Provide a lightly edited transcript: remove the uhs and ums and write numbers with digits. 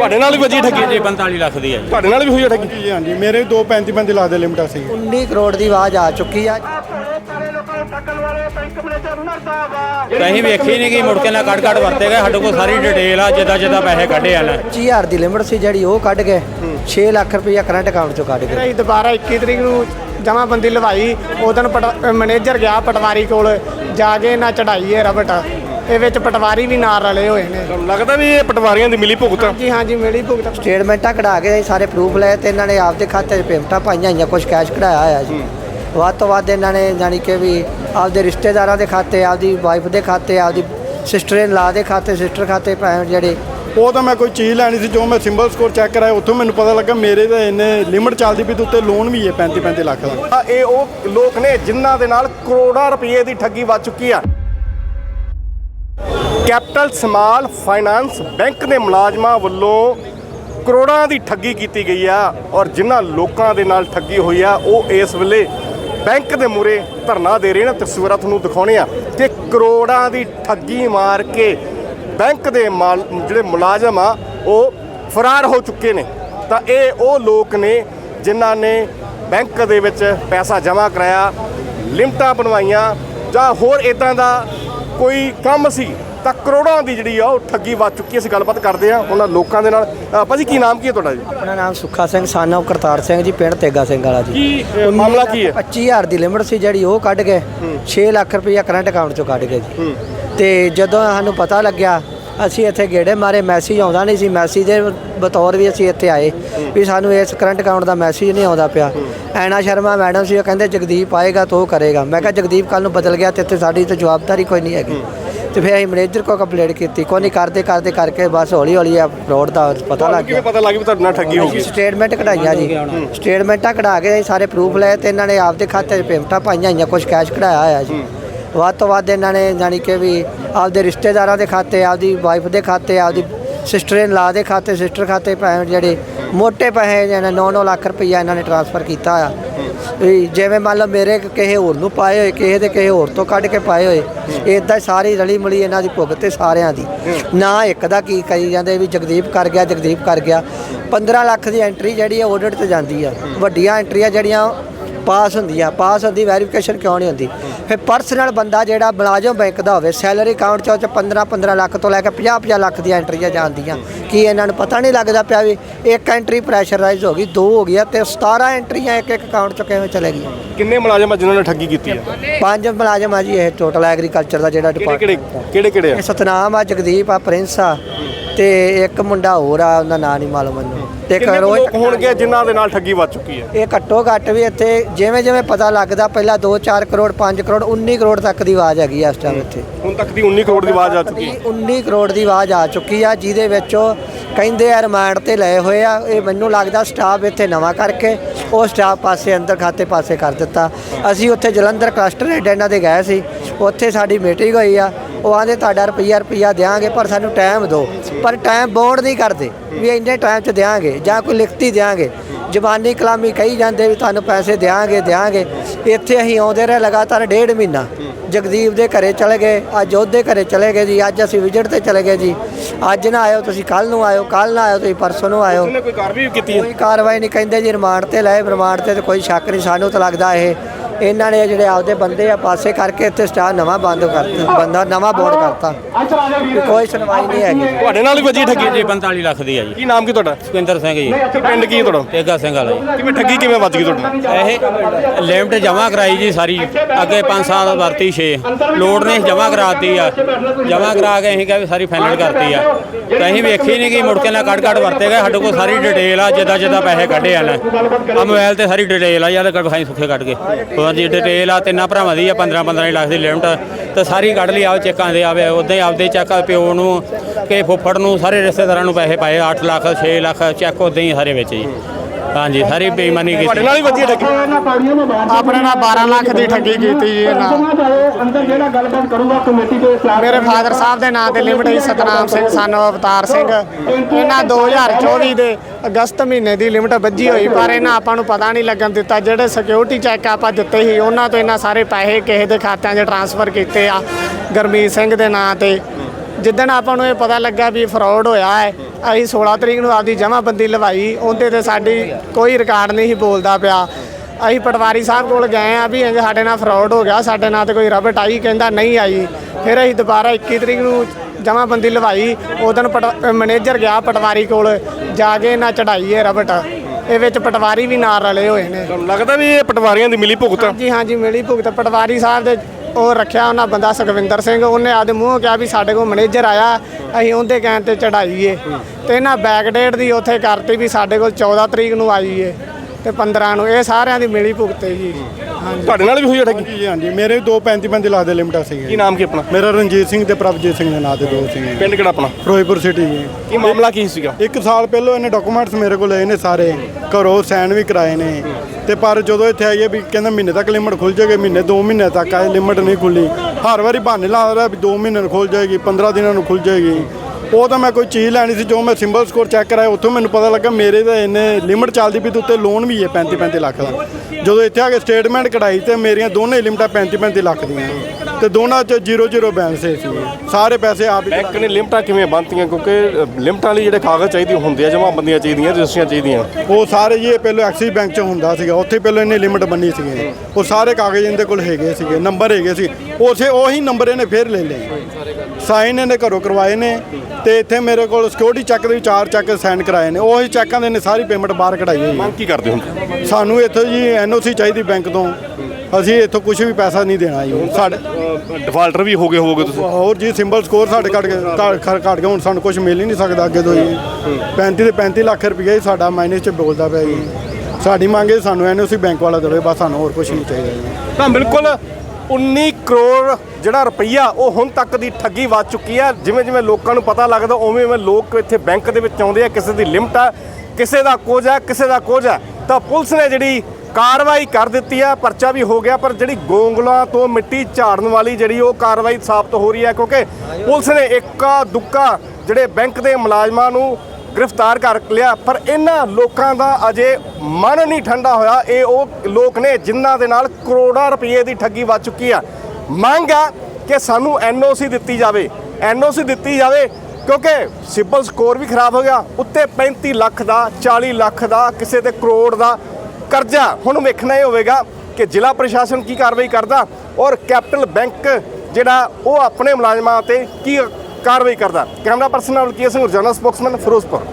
ਤੁਹਾਡੇ ਨਾਲ ਵੀ ਵਜੀ ਠੱਗੀ ਜੀ 45 ਲੱਖ ਦੀ ਹੈ ਜੀ। ਤੁਹਾਡੇ ਨਾਲ ਵੀ ਹੋਈ ਠੱਗੀ? ਜੀ ਹਾਂਜੀ, ਮੇਰੇ 2.35 ਲੱਖ ਦੇ ਲਿਮਟਾ ਸੀ। 19 ਕਰੋੜ ਦੀ ਆਵਾਜ਼ ਆ ਚੁੱਕੀ ਆ। ਕਹੀਂ ਵੇਖੀ ਨਹੀਂ ਗਈ, ਮੁੜ ਕੇ ਨਾ ਕੱਢ ਵਰਤੇ ਗਏ। ਸਾਡੇ ਕੋਲ ਸਾਰੀ ਡਿਟੇਲ ਆ, ਜਿੱਦਾਂ ਪੈਸੇ ਕੱਢੇ ਆ ਨਾ। 25000 ਦੀ ਲਿਮਟ ਸੀ ਜਿਹੜੀ ਉਹ ਕੱਢ ਗਏ, 6 ਲੱਖ ਰੁਪਈਆ ਕਰੰਟ ਅਕਾਊਂਟ ਚੋਂ ਕੱਢ ਗਏ। ਅਸੀਂ ਦੁਬਾਰਾ 21 ਤਰੀਕ ਨੂੰ ਜਮਾਬੰਦੀ ਲਵਾਈ। ਉਦੋਂ ਮੈਨੇਜਰ ਗਿਆ ਪਟਵਾਰੀ ਕੋਲ, ਜਾ ਕੇ ਨਾ ਚੜਾਈ ਹੈ ਰਬਟ। ਇਹ ਵਿੱਚ ਪਟਵਾਰੀ ਵੀ ਨਾਲ ਰਲੇ ਹੋਏ ਨੇ। ਤੁਹਾਨੂੰ ਲੱਗਦਾ ਵੀ ਇਹ ਪਟਵਾਰੀਆਂ ਦੀ ਮਿਲੀ ਭੁਗਤ? ਜੀ ਹਾਂਜੀ, ਮਿਲੀ ਭੁਗਤ। ਸਟੇਟਮੈਂਟਾਂ ਕਢਾ ਕੇ ਸਾਰੇ ਪ੍ਰੂਫ ਲਏ ਤੇ ਇਹਨਾਂ ਨੇ ਆਪਦੇ ਖਾਤੇ 'ਚ ਪੇਮੈਂਟਾਂ ਪਾਈਆਂ ਹੋਈਆਂ, ਕੁਝ ਕੈਸ਼ ਕਢਾਇਆ ਹੋਇਆ ਜੀ। ਵੱਧ ਤੋਂ ਵੱਧ ਇਹਨਾਂ ਨੇ ਜਾਣੀ ਕਿ ਵੀ ਆਪਦੇ ਰਿਸ਼ਤੇਦਾਰਾਂ ਦੇ ਖਾਤੇ, ਆਪਦੀ ਵਾਈਫ ਦੇ ਖਾਤੇ, ਆਪਦੀ ਸਿਸਟਰ ਇਨ ਲਾ ਦੇ ਖਾਤੇ, ਸਿਸਟਰ ਖਾਤੇ ਪੈਸੇ ਜਿਹੜੇ। ਉਹ ਤਾਂ ਮੈਂ ਕੋਈ ਚੀਜ਼ ਲੈਣੀ ਸੀ, ਜੋ ਮੈਂ ਸਿੰਬਲ ਸਕੋਰ ਚੈੱਕ ਕਰਾਇਆ ਉੱਥੋਂ ਮੈਨੂੰ ਪਤਾ ਲੱਗਾ ਮੇਰੇ ਤਾਂ ਇੰਨੇ ਲਿਮਟ ਚੱਲਦੀ ਪਈ ਤੇ ਉੱਤੇ ਲੋਨ ਵੀ ਹੈ 35 ਲੱਖ ਦਾ। ਇਹ ਉਹ ਲੋਕ ਨੇ ਜਿਨ੍ਹਾਂ ਦੇ ਨਾਲ ਕਰੋੜਾਂ ਰੁਪਏ ਦੀ ਠੱਗੀ ਵੱਜ ਚੁੱਕੀ ਆ। ਕੈਪੀਟਲ ਸਮਾਲ ਫਾਈਨਾਂਸ ਬੈਂਕ ਦੇ ਮੁਲਾਜ਼ਮਾਂ ਵੱਲੋਂ ਕਰੋੜਾਂ ਦੀ ਠੱਗੀ ਕੀਤੀ ਗਈ ਆ ਔਰ ਜਿਨ੍ਹਾਂ ਲੋਕਾਂ ਦੇ ਨਾਲ ਠੱਗੀ ਹੋਈ ਆ ਉਹ ਇਸ ਵੇਲੇ ਬੈਂਕ ਦੇ ਮੂਹਰੇ ਧਰਨਾ ਦੇ ਰਹੇ ਨੇ। ਤਸਵੀਰਾਂ ਤੁਹਾਨੂੰ ਦਿਖਾਉਣੇ ਆ ਕਿ ਕਰੋੜਾਂ ਦੀ ਠੱਗੀ ਮਾਰ ਕੇ ਬੈਂਕ ਦੇ ਜਿਹੜੇ ਮੁਲਾਜ਼ਮ ਆ ਉਹ ਫਰਾਰ ਹੋ ਚੁੱਕੇ ਨੇ। ਤਾਂ ਇਹ ਉਹ ਲੋਕ ਨੇ ਜਿਨ੍ਹਾਂ ਨੇ ਬੈਂਕ ਦੇ ਵਿੱਚ ਪੈਸਾ ਜਮ੍ਹਾਂ ਕਰਾਇਆ, ਲਿਮਟਾਂ ਬਣਵਾਈਆਂ ਜਾਂ ਹੋਰ ਇੱਦਾਂ ਦਾ ਕੋਈ ਕੰਮ ਸੀ, ਤਾਂ ਕਰੋੜਾਂ ਦੀ ਜਿਹੜੀ ਆ ਉਹ ਠੱਗੀ ਵੱਜ ਚੁੱਕੀ। ਅਸੀਂ ਗੱਲਬਾਤ ਕਰਦੇ ਆ ਉਹਨਾਂ ਲੋਕਾਂ ਦੇ ਨਾਲ। ਭਾਜੀ ਕੀ ਨਾਮ ਕੀ ਹੈ ਤੁਹਾਡਾ ਜੀ? ਆਪਣਾ ਨਾਮ ਸੁੱਖਾ ਸਿੰਘ ਸਾਨਾ ਕਰਤਾਰ ਸਿੰਘ ਜੀ, ਪਿੰਡ ਤੇਗਾ ਸਿੰਘ ਵਾਲਾ ਜੀ। ਕੀ ਮਾਮਲਾ ਕੀ ਹੈ? 25000 ਦੀ ਲਿਮਟ ਸੀ ਜਿਹੜੀ ਉਹ ਕੱਢ ਗਏ, 6 ਲੱਖ ਰੁਪਈਆ ਕਰੰਟ ਅਕਾਊਂਟ ਚੋਂ ਕੱਢ ਗਏ ਜੀ। ਤੇ ਜਦੋਂ ਸਾਨੂੰ ਪਤਾ ਲੱਗਿਆ ਅਸੀਂ ਇੱਥੇ ਗੇੜੇ ਮਾਰੇ, ਮੈਸੇਜ ਆਉਂਦਾ ਨਹੀਂ ਸੀ। ਮੈਸੇਜ ਦੇ ਬਤੌਰ ਵੀ ਅਸੀਂ ਇੱਥੇ ਆਏ ਵੀ ਸਾਨੂੰ ਇਸ ਕਰੰਟ ਅਕਾਊਂਟ ਦਾ ਮੈਸੇਜ ਨਹੀਂ ਆਉਂਦਾ ਪਿਆ। ਐਨਾ ਸ਼ਰਮਾ ਮੈਡਮ ਸੀ, ਉਹ ਕਹਿੰਦੇ ਜਗਦੀਪ ਆਏਗਾ ਤਾਂ ਉਹ ਕਰੇਗਾ। ਮੈਂ ਕਿਹਾ ਜਗਦੀਪ ਕੱਲ ਨੂੰ ਬਦਲ ਗਿਆ ਤੇ ਇੱਥੇ ਸਾਡੀ ਤਾਂ ਜਵਾਬਦਾਰੀ ਕੋਈ ਨਹੀਂ ਹੈਗੀ। ਤੇ ਫਿਰ ਅਸੀਂ ਮੈਨੇਜਰ ਕੋਲ ਕੰਪਲੇਂਟ ਕੀਤੀ, ਕੋਈ ਨਹੀਂ ਕਰਦੇ ਕਰਕੇ ਬਸ ਹੌਲੀ ਹੌਲੀ ਆ ਫਰੋਡ ਦਾ ਪਤਾ ਲੱਗ ਗਿਆ। ਪਤਾ ਲੱਗ ਵੀ ਤੁਹਾਡੇ ਨਾਲ ਠੱਗੀ ਹੋ ਗਈ? ਸਟੇਟਮੈਂਟ ਕਢਾਈਆਂ ਜੀ, ਸਟੇਟਮੈਂਟਾਂ ਕਢਾ ਕੇ ਸਾਰੇ ਪ੍ਰੂਫ ਲਏ ਤੇ ਇਹਨਾਂ ਨੇ ਆਪਦੇ ਖਾਤੇ 'ਚ ਪੇਮੈਂਟਾਂ ਪਾਈਆਂ ਹੋਈਆਂ, ਕੁਝ ਕੈਸ਼ ਕਢਾਇਆ ਹੋਇਆ ਜੀ। ਵੱਧ ਤੋਂ ਵੱਧ ਇਹਨਾਂ ਨੇ ਜਾਣੀ ਕਿ ਵੀ ਆਪਦੇ ਰਿਸ਼ਤੇਦਾਰਾਂ ਦੇ ਖਾਤੇ, ਆਪਦੀ ਵਾਈਫ ਦੇ ਖਾਤੇ, ਆਪਦੀ ਸਿਸਟਰ ਇਨ ਲਾ ਦੇ ਖਾਤੇ, ਸਿਸਟਰ ਖਾਤੇ ਪੈਸੇ ਜਿਹੜੇ ਮੋਟੇ ਪੈਸੇ ਜਿਹਨੇ 9-9 ਲੱਖ ਰੁਪਈਆ ਇਹਨਾਂ ਨੇ ਟ੍ਰਾਂਸਫਰ ਕੀਤਾ ਆ। ਜਿਵੇਂ ਮੰਨ ਲਓ ਮੇਰੇ ਕਿਸੇ ਹੋਰ ਨੂੰ ਪਾਏ ਹੋਏ, ਕਿਸੇ ਹੋਰ ਤੋਂ ਕੱਢ ਕੇ ਪਾਏ ਹੋਏ, ਇੱਦਾਂ ਸਾਰੀ ਰਲੀ ਮਿਲੀ ਇਹਨਾਂ ਦੀ ਭੁਗਤ ਤੇ ਸਾਰਿਆਂ ਦੀ। ਨਾ ਇੱਕ ਦਾ ਕੀ ਕਰੀ ਜਾਂਦੇ ਵੀ ਜਗਦੀਪ ਕਰ ਗਿਆ। 15 ਲੱਖ ਦੀ ਐਂਟਰੀ ਜਿਹੜੀ ਆ ਆਡਿਟ 'ਤੇ ਜਾਂਦੀ ਆ। ਵੱਡੀਆਂ ਐਂਟਰੀਆਂ ਜਿਹੜੀਆਂ ਪਾਸ ਹੁੰਦੀ ਵੈਰੀਫਿਕੇਸ਼ਨ ਕਿਉਂ ਨਹੀਂ ਹੁੰਦੀ? ਫਿਰ ਪਰਸਨਲ ਬੰਦਾ ਜਿਹੜਾ ਮੁਲਾਜ਼ਮ ਬੈਂਕ ਦਾ ਹੋਵੇ, ਸੈਲਰੀ ਅਕਾਊਂਟ 'ਚ 15 ਲੱਖ ਤੋਂ ਲੈ ਕੇ 50 ਲੱਖ ਦੀਆਂ ਐਂਟਰੀਆਂ ਜਾਂਦੀਆਂ। ਕੀ ਇਹਨਾਂ ਨੂੰ ਪਤਾ ਨਹੀਂ ਲੱਗਦਾ ਪਿਆ ਵੀ ਇੱਕ ਐਂਟਰੀ ਪ੍ਰੈਸ਼ਰਾਈਜ਼ ਹੋ ਗਈ, 2 ਹੋ ਗਈਆਂ ਤੇ 17 ਐਂਟਰੀਆਂ ਇੱਕ ਅਕਾਊਂਟ 'ਚ ਕਿਵੇਂ ਚਲੇ ਗਈਆਂ? ਕਿੰਨੇ ਮੁਲਾਜ਼ਮ ਆ ਜਿਨ੍ਹਾਂ ਨੇ ਠੱਗੀ ਕੀਤੀ ਆ? 5 ਮੁਲਾਜ਼ਮ ਆ ਜੀ ਇਹ ਟੋਟਲ ਐਗਰੀਕਲਚਰ ਦਾ ਜਿਹੜਾ ਕਿਹੜੇ ਆ? ਸਤਨਾਮ ਆ, ਜਗਦੀਪ ਆ, ਪ੍ਰਿੰਸ ਆ ਤੇ ਇੱਕ ਮੁੰਡਾ ਹੋਰ ਆ, ਉਹਦਾ ਨਾਂ ਨਹੀਂ ਮਾਲੂਮ ਮੈਨੂੰ। ਤੇ ਲੋਕ ਹੋਣਗੇ ਜਿਨ੍ਹਾਂ ਦੇ ਨਾਲ ਠੱਗੀ ਵੱਜ ਚੁੱਕੀ ਹੈ? ਇਹ ਘੱਟੋ ਘੱਟ ਵੀ ਇੱਥੇ ਜਿਵੇਂ ਪਤਾ ਲੱਗਦਾ ਪਹਿਲਾਂ 2-4 ਕਰੋੜ, 5 ਕਰੋੜ, 19 ਕਰੋੜ ਤੱਕ ਦੀ ਆਵਾਜ਼ ਹੈਗੀ ਇਸ ਟਾਈਮ ਇੱਥੇ। ਹੁਣ ਤੱਕ ਦੀ 19 ਕਰੋੜ ਦੀ ਆਵਾਜ਼ ਆ ਚੁੱਕੀ ਹੈ। 19 ਕਰੋੜ ਦੀ ਆਵਾਜ਼ ਆ ਚੁੱਕੀ ਆ, ਜਿਹਦੇ ਵਿੱਚੋਂ ਕਹਿੰਦੇ ਆ ਰਿਮਾਂਡ ਤੇ ਲਏ ਹੋਏ ਆ। ਇਹ ਮੈਨੂੰ ਲੱਗਦਾ ਸਟਾਫ ਇੱਥੇ ਨਵਾਂ ਕਰਕੇ ਉਹ ਸਟਾਫ ਪਾਸੇ ਅੰਦਰ ਖਾਤੇ ਪਾਸੇ ਕਰ ਦਿੱਤਾ। ਅਸੀਂ ਉੱਥੇ ਜਲੰਧਰ ਕਲਸਟਰ ਹੈਡ ਇਹਨਾਂ ਦੇ ਗਏ ਸੀ, ਉੱਥੇ ਸਾਡੀ ਮੀਟਿੰਗ ਹੋਈ ਆ। ਉਹ ਆਂਦੇ ਤੁਹਾਡਾ ਰੁਪਈਆ ਦਿਆਂਗੇ ਪਰ ਸਾਨੂੰ ਟਾਈਮ ਦਿਓ, ਪਰ ਟਾਈਮ ਬੌਂਡ ਨਹੀਂ ਕਰਦੇ ਵੀ ਇੰਨੇ ਟਾਈਮ 'ਚ ਦਿਆਂਗੇ ਜਾਂ ਕੋਈ ਲਿਖਤੀ ਦਿਆਂਗੇ। ਜ਼ਬਾਨੀ ਕਲਾਮੀ ਕਹੀ ਜਾਂਦੇ ਵੀ ਤੁਹਾਨੂੰ ਪੈਸੇ ਦਿਆਂਗੇ। ਇੱਥੇ ਅਸੀਂ ਆਉਂਦੇ ਰਹੇ ਲਗਾਤਾਰ 1.5 ਮਹੀਨਾ। ਜਗਦੀਪ ਦੇ ਘਰੇ ਚਲੇ ਗਏ, ਅੱਜ ਉਹਦੇ ਘਰੇ ਚਲੇ ਗਏ ਜੀ, ਅੱਜ ਅਸੀਂ ਵਿਜ਼ਿਟ ਤੇ ਚਲੇ ਗਏ ਜੀ। ਅੱਜ ਨਾ ਆਇਓ ਤੁਸੀਂ, ਕੱਲ ਨੂੰ ਆਇਓ, ਕੱਲ ਨਾ ਆਇਓ ਤੁਸੀਂ ਪਰਸੋਂ ਨੂੰ ਆਇਓ। ਕੋਈ ਕਾਰਵਾਈ ਕੀਤੀ? ਕੋਈ ਕਾਰਵਾਈ ਨਹੀਂ, ਕਹਿੰਦੇ ਜੀ ਰਿਮਾਂਡ ਤੇ ਲਏ। ਰਿਮਾਂਡ ਤੇ ਕੋਈ ਸ਼ੱਕ ਨਹੀਂ, ਸਾਨੂੰ ਤਾਂ ਲੱਗਦਾ ਇਹਨਾਂ ਨੇ ਜਿਹੜੇ ਆਪਦੇ ਬੰਦੇ ਆ ਪਾਸੇ ਕਰਕੇ ਇੱਥੇ ਸਟਾਫ ਨਵਾਂ ਬੋਰਡ ਕਰਤਾ। ਕੋਈ ਸੁਣਵਾਈ ਨਹੀਂ ਹੈਗੀ। ਤੁਹਾਡੇ ਨਾਲ ਵੀ ਵਜੀ ਠੱਗੀ? ਜੀ 45 ਲੱਖ ਦੀ ਹੈ ਜੀ। ਕੀ ਨਾਮ ਕੀ ਤੁਹਾਡਾ? ਸੁਖਿੰਦਰ ਸਿੰਘ ਜੀ। ਪਿੰਡ ਕੀ ਤੁਹਾਡਾ? ਤੇਗਾ ਸਿੰਘ ਵਾਲਾ ਜੀ। ਕਿਵੇਂ ਠੱਗੀ ਕਿਵੇਂ ਵੱਜ ਗਈ ਤੁਹਾਡੇ? ਇਹ ਲਿਮਟ ਜਮ੍ਹਾਂ ਕਰਾਈ ਜੀ ਸਾਰੀ, ਅੱਗੇ 5 ਸਾਲ ਵਰਤੀ 6 ਲੋਡ ਨੇ ਜਮ੍ਹਾਂ ਕਰਾਤੀ ਆ। ਜਮ੍ਹਾਂ ਕਰਾ ਕੇ ਅਸੀਂ ਕਿਹਾ ਵੀ ਸਾਰੀ ਫਾਈਨਲ ਕਰਤੀ ਆ। ਤਾਂ ਅਸੀਂ ਵੇਖੀ ਨਹੀਂ ਗਈ, ਮੁੜ ਕੇ ਨਾ ਕੱਢ ਵਰਤੇ ਗਏ। ਸਾਡੇ ਕੋਲ ਸਾਰੀ ਡਿਟੇਲ ਆ, ਜਿੱਦਾਂ ਪੈਸੇ ਕੱਢੇ ਆ ਨਾ। ਆ ਮੋਬਾਈਲ ਤੇ ਸਾਰੀ ਡਿਟੇਲ ਆ ਯਾਰ, ਵਿਖਾਈ ਸੁੱਖੇ ਕੱਢ ਕੇ ਜੀ ਡਿਟੇਲ ਆ। 3 ਭਰਾਵਾਂ ਦੀ ਆ 15 ਲੱਖ ਦੀ ਲਿਮਟ, ਤਾਂ ਸਾਰੀ ਕੱਢ ਲਈ। ਆਓ ਚੈੱਕਾਂ ਦੇ ਆਵੇ ਉੱਦਾਂ ਹੀ ਆਪਦੇ ਚੈੱਕ ਪਿਓ ਨੂੰ ਕਿ ਫੁੱਫੜ ਨੂੰ ਸਾਰੇ ਰਿਸ਼ਤੇਦਾਰਾਂ ਨੂੰ ਪੈਸੇ ਪਾਏ 8 ਲੱਖ 6 ਲੱਖ ਚੈੱਕ ਉੱਦਾਂ ਹੀ ਸਾਰੇ ਵਿੱਚ ਜੀ। ਹਾਂਜੀ ਸਾਰੀ ਬੇਈਮਾਨੀ ਕੀਤੀ। ਤੁਹਾਡੇ ਨਾਲ ਹੀ ਵਧੀਆ ਠੱਗੀ? ਆਪਣੇ ਨਾਲ 12 ਲੱਖ ਦੀ ਠੱਗੀ ਕੀਤੀ ਜੀ ਇਹਨਾਂ। ਮੇਰੇ ਫਾਦਰ ਸਾਹਿਬ ਦੇ ਨਾਂ ਤੇ ਲਿਮਟ ਸੀ ਸਤਨਾਮ ਸਿੰਘ ਸਨ ਅਵਤਾਰ ਸਿੰਘ। ਇਹਨਾਂ 2024 ਦੇ ਅਗਸਤ ਮਹੀਨੇ ਦੀ ਲਿਮਟ ਵੱਜੀ ਹੋਈ, ਪਰ ਇਹਨਾਂ ਆਪਾਂ ਨੂੰ ਪਤਾ ਨਹੀਂ ਲੱਗਣ ਦਿੱਤਾ। ਜਿਹੜੇ ਸਿਕਿਉਰਿਟੀ ਚੈੱਕ ਆਪਾਂ ਦਿੱਤੇ ਸੀ ਉਹਨਾਂ ਤੋਂ ਇਹਨਾਂ ਸਾਰੇ ਪੈਸੇ ਕਿਸੇ ਦੇ ਖਾਤਿਆਂ 'ਚ ਟ੍ਰਾਂਸਫਰ ਕੀਤੇ ਆ। ਗੁਰਮੀਤ ਸਿੰਘ ਦੇ ਨਾਂ ਤੇ ਜਿੱਦਣ ਆਪਾਂ ਨੂੰ ਇਹ ਪਤਾ ਲੱਗਾ ਵੀ ਫਰਾਡ ਹੋਇਆ ਹੈ, ਅਸੀਂ 16 ਤਰੀਕ ਨੂੰ ਆਪਦੀ ਜਮ੍ਹਾਂਬੰਦੀ ਲਵਾਈ, ਉਹਦੇ ਤੇ ਸਾਡੀ ਕੋਈ ਰਿਕਾਰਡ ਨਹੀਂ ਸੀ ਬੋਲਦਾ ਪਿਆ। ਅਸੀਂ ਪਟਵਾਰੀ ਸਾਹਿਬ ਕੋਲ ਗਏ ਆ ਵੀ ਇੰਝ ਸਾਡੇ ਨਾਲ ਫਰਾਡ ਹੋ ਗਿਆ, ਸਾਡੇ ਨਾਲ ਤੇ ਕੋਈ ਰਬਟ ਆਈ, ਕਹਿੰਦਾ ਨਹੀਂ ਆਈ। ਫਿਰ ਅਸੀਂ ਦੁਬਾਰਾ 21 ਤਰੀਕ ਨੂੰ ਜਮ੍ਹਾਂਬੰਦੀ ਲਵਾਈ, ਉਦੋਂ ਮੈਨੇਜਰ ਗਿਆ ਪਟਵਾਰੀ ਕੋਲ, ਜਾ ਕੇ ਨਾ ਚੜਾਈ ਹੈ ਰਬਟ। ਇਹ ਵਿੱਚ ਪਟਵਾਰੀ ਵੀ ਨਾਲ ਰਲੇ ਹੋਏ ਨੇ। ਤੁਹਾਨੂੰ ਲੱਗਦਾ ਵੀ ਇਹ ਪਟਵਾਰੀਆਂ ਦੀ ਮਿਲੀ ਭੁਗਤ? ਹਾਂਜੀ ਹਾਂਜੀ, ਮਿਲੀ ਭੁਗਤ। ਪਟਵਾਰੀ ਸਾਹਿਬ ਦੇ ਉਹ ਰੱਖਿਆ ਉਹਨਾਂ ਬੰਦਾ ਸੁਖਵਿੰਦਰ ਸਿੰਘ, ਉਹਨੇ ਆਪਦੇ ਮੂੰਹੋਂ ਕਿਹਾ ਵੀ ਸਾਡੇ ਕੋਲ ਮੈਨੇਜਰ ਆਇਆ, ਅਸੀਂ ਉਹਦੇ ਕਹਿਣ ਤੇ ਚੜਾਈਏ। ਤੇ ਇਹਨਾਂ ਬੈਕ ਡੇਟ ਦੀ ਉੱਥੇ ਕਰਤੀ ਵੀ ਸਾਡੇ ਕੋਲ 14 ਤਰੀਕ ਨੂੰ ਆਈਏ ਤੇ 15 ਨੂੰ। ਇਹ ਸਾਰਿਆਂ ਦੀ ਮਿਲੀ ਭੁਗਤ ਹੈ ਜੀ। ਹਾਂਜੀ, ਤੁਹਾਡੇ ਨਾਲ ਵੀ ਹੋਈ ਹੈ ਠੱਗੀ? ਜੀ ਹਾਂਜੀ, ਮੇਰੇ 2.35 ਲੱਖ ਦੇ ਲਿਮਟਾਂ ਸੀਗੇ। ਕੀ ਨਾਮ ਕੀ ਆਪਣਾ? ਮੇਰਾ ਰਣਜੀਤ ਸਿੰਘ ਤੇ ਪ੍ਰਭਜੀਤ ਸਿੰਘ ਦੇ ਨਾਂ ਤੇ 2 ਸੀਗੇ। ਪਿੰਡ ਕਿਹੜਾ ਆਪਣਾ? ਫਿਰੋਜ਼ਪੁਰ ਸਿਟੀ ਜੀ। ਕੀ ਮਾਮਲਾ ਕੀ ਸੀਗਾ? 1 ਸਾਲ ਪਹਿਲਾਂ ਇਹਨੇ ਡਾਕੂਮੈਂਟਸ ਮੇਰੇ ਕੋਲ ਲਏ ਨੇ ਸਾਰੇ, ਘਰੋਂ ਸਾਈਨ ਵੀ ਕਰਾਏ ਨੇ। ਤੇ ਪਰ ਜਦੋਂ ਇੱਥੇ ਆਈਏ ਵੀ ਕਹਿੰਦਾ ਮਹੀਨੇ ਤੱਕ ਲਿਮਟ ਖੁੱਲ ਜਾਏਗੀ, ਮਹੀਨੇ 2 ਮਹੀਨੇ ਤੱਕ ਆਏ, ਲਿਮਟ ਨਹੀਂ ਖੁੱਲੀ। ਹਰ ਵਾਰੀ ਬਹਾਨੇ ਲਾ ਰਿਹਾ ਵੀ 2 ਮਹੀਨੇ ਨੂੰ ਖੁੱਲ ਜਾਏਗੀ, 15 ਦਿਨਾਂ ਨੂੰ ਖੁੱਲ ਜਾਏਗੀ। ਉਹ ਤਾਂ ਮੈਂ ਕੋਈ ਚੀਜ਼ ਲੈਣੀ ਸੀ, ਜੋ ਮੈਂ ਸਿੰਬਲ ਸਕੋਰ ਚੈੱਕ ਕਰਾਇਆ ਉੱਥੋਂ ਮੈਨੂੰ ਪਤਾ ਲੱਗਾ ਮੇਰੇ ਤਾਂ ਇੰਨੇ ਲਿਮਟ ਚੱਲਦੀ ਪਈ ਤੇ ਉੱਤੇ ਲੋਨ ਵੀ ਹੈ 35 ਲੱਖ ਦਾ। ਜਦੋਂ ਇੱਥੇ ਆ ਕੇ ਸਟੇਟਮੈਂਟ ਕਢਾਈ ਤੇ ਮੇਰੀਆਂ ਦੋਨੇ ਲਿਮਟਾਂ 35 ਲੱਖ ਦੀਆਂ, ਤੇ ਦੋਨਾਂ 'ਚ 0 ਬੈਲੈਂਸ ਸੀ। ਸਾਰੇ ਪੈਸੇ ਆਪ ਹੀ ਬੈਂਕ ਨੇ ਲਿਮਟਾਂ ਕਿਵੇਂ ਬੰਨ੍ਹਤੀਆਂ? ਕਿਉਂਕਿ ਲਿਮਟਾਂ ਲਈ ਜਿਹੜੇ ਕਾਗਜ਼ ਚਾਹੀਦੇ ਹੁੰਦੇ ਆ, ਜਮ੍ਹਾਂਬੰਦੀਆਂ ਚਾਹੀਦੀਆਂ, ਰਜਿਸਟਰੀਆਂ ਚਾਹੀਦੀਆਂ। ਉਹ ਸਾਰੇ ਜੀ, ਇਹ ਪਹਿਲਾਂ ਐਕਸਿਸ ਬੈਂਕ 'ਚ ਹੁੰਦਾ ਸੀਗਾ, ਉੱਥੇ ਪਹਿਲਾਂ ਇਹਨੇ ਲਿਮਟ ਬੰਨੀ ਸੀਗੀ। ਉਹ ਸਾਰੇ ਕਾਗਜ਼ ਇਹਦੇ ਕੋਲ ਹੈਗੇ ਸੀਗੇ, ਨੰਬਰ ਹੈਗੇ ਸੀ, ਉਹੀ ਨੰਬਰ ਇਹਨੇ ਫਿਰ ਲੈ ਲਏ। ਸਾਈਨ ਇਹਨੇ ਘਰੋਂ ਕਰਵਾਏ ਨੇ ਤੇ ਇੱਥੇ ਮੇਰੇ ਕੋਲ ਸਿਕਿਉਰਿਟੀ ਚੈੱਕ ਦੇ 4 ਚੈੱਕ ਸਾਈਨ ਕਰਾਏ ਨੇ। ਉਹੀ ਚੈੱਕਾਂ ਦੇ ਨੇ ਸਾਰੀ ਪੇਮੈਂਟ ਬਾਹਰ ਕਢਾਈ ਹੋਈ ਹੈ। ਮੰਗ ਕੀ ਕਰਦੇ ਹੋ? ਸਾਨੂੰ ਇੱਥੋਂ ਜੀ ਐਨਓਸੀ ਚਾਹੀਦੀ ਬੈਂਕ ਤੋਂ, ਅਸੀਂ ਇੱਥੋਂ ਕੁਝ ਵੀ ਪੈਸਾ ਨਹੀਂ ਦੇਣਾ ਜੀ। ਸਾਡੇ ਡਿਫਾਲਟਰ ਵੀ ਹੋਗੇ ਤੁਸੀਂ? ਹੋਰ ਜੀ, ਸਿੰਬਲ ਸਕੋਰ ਸਾਡੇ ਘਟ ਗਿਆ, ਹੁਣ ਸਾਨੂੰ ਕੁਝ ਮਿਲ ਹੀ ਨਹੀਂ ਸਕਦਾ ਅੱਗੇ ਤੋਂ ਜੀ। 35 ਤੇ 35 ਲੱਖ ਰੁਪਈਆ ਹੀ ਸਾਡਾ ਮਾਈਨਸ 'ਚ ਬੋਲਦਾ ਪਿਆ ਜੀ। ਸਾਡੀ ਮੰਗ ਹੈ ਸਾਨੂੰ ਐਨਓਸੀ ਬੈਂਕ ਵਾਲਾ ਦੇਵੇ, ਬਸ ਸਾਨੂੰ ਹੋਰ ਕੁਝ ਨਹੀਂ ਚਾਹੀਦਾ ਜੀ। ਤਾਂ ਬਿਲਕੁਲ 19 ਕਰੋੜ ਜਿਹੜਾ ਰੁਪਈਆ ਉਹ ਹੁਣ ਤੱਕ ਦੀ ਠੱਗੀ ਵੱਜ ਚੁੱਕੀ ਆ। ਜਿਵੇਂ ਜਿਵੇਂ ਲੋਕਾਂ ਨੂੰ ਪਤਾ ਲੱਗਦਾ ਉਵੇਂ ਉਵੇਂ ਲੋਕ ਇੱਥੇ ਬੈਂਕ ਦੇ ਵਿੱਚ ਆਉਂਦੇ ਆ। ਕਿਸੇ ਦੀ ਲਿਮਟ ਆ, ਕਿਸੇ ਦਾ ਕੁਝ ਆ, ਕਿਸੇ ਦਾ ਕੁਝ ਆ। ਤਾਂ ਪੁਲਿਸ ਨੇ ਜਿਹੜੀ ਕਾਰਵਾਈ ਕਰ ਦਿੱਤੀ ਆ, ਪਰਚਾ ਵੀ ਹੋ ਗਿਆ, ਪਰ ਜਿਹੜੀ ਗੋਂਗਲਾਂ ਤੋਂ ਮਿੱਟੀ ਝਾੜਨ ਵਾਲੀ ਜਿਹੜੀ ਉਹ ਕਾਰਵਾਈ ਸਾਬਤ ਹੋ ਰਹੀ ਹੈ, ਕਿਉਂਕਿ ਪੁਲਿਸ ਨੇ ਇੱਕਾ ਦੁੱਕਾ ਜਿਹੜੇ ਬੈਂਕ ਦੇ ਮੁਲਾਜ਼ਮਾਂ ਨੂੰ ਗ੍ਰਿਫਤਾਰ ਕਰ ਲਿਆ। ਪਰ ਇਹਨਾਂ ਲੋਕਾਂ ਦਾ ਅਜੇ ਮਨ ਨਹੀਂ ਠੰਡਾ ਹੋਇਆ। ਇਹ ਉਹ ਲੋਕ ਨੇ ਜਿਨ੍ਹਾਂ ਦੇ ਨਾਲ ਕਰੋੜਾਂ ਰੁਪਏ ਦੀ ਠੱਗੀ ਵੱਜ ਚੁੱਕੀ ਆ। ਮੰਗ ਆ ਕਿ ਸਾਨੂੰ ਐਨਓਸੀ ਦਿੱਤੀ ਜਾਵੇ, ਐਨਓਸੀ ਦਿੱਤੀ ਜਾਵੇ, ਕਿਉਂਕਿ ਸਿਬਲ ਸਕੋਰ ਵੀ ਖਰਾਬ ਹੋ ਗਿਆ, ਉੱਤੇ 35 ਲੱਖ ਦਾ, 40 ਲੱਖ ਦਾ, ਕਿਸੇ ਤੇ ਕਰੋੜ ਦਾ ਕਰਜ਼ਾ। ਹੁਣ ਵੇਖਣਾ ਇਹ ਹੋਵੇਗਾ ਕਿ ਜ਼ਿਲ੍ਹਾ ਪ੍ਰਸ਼ਾਸਨ ਕੀ ਕਾਰਵਾਈ ਕਰਦਾ ਔਰ ਕੈਪੀਟਲ ਬੈਂਕ ਜਿਹੜਾ ਉਹ ਆਪਣੇ ਮੁਲਾਜ਼ਮਾਂ ਤੇ ਕੀ ਕਾਰਵਾਈ ਕਰਦਾ। ਕੈਮਰਾ ਪਰਸਨ ਨਾਲ ਕੀ ਸਿੰਘ, ਜਨਰਲ ਸਪੋਕਸਮੈਨ, ਫਿਰੋਜ਼ਪੁਰ।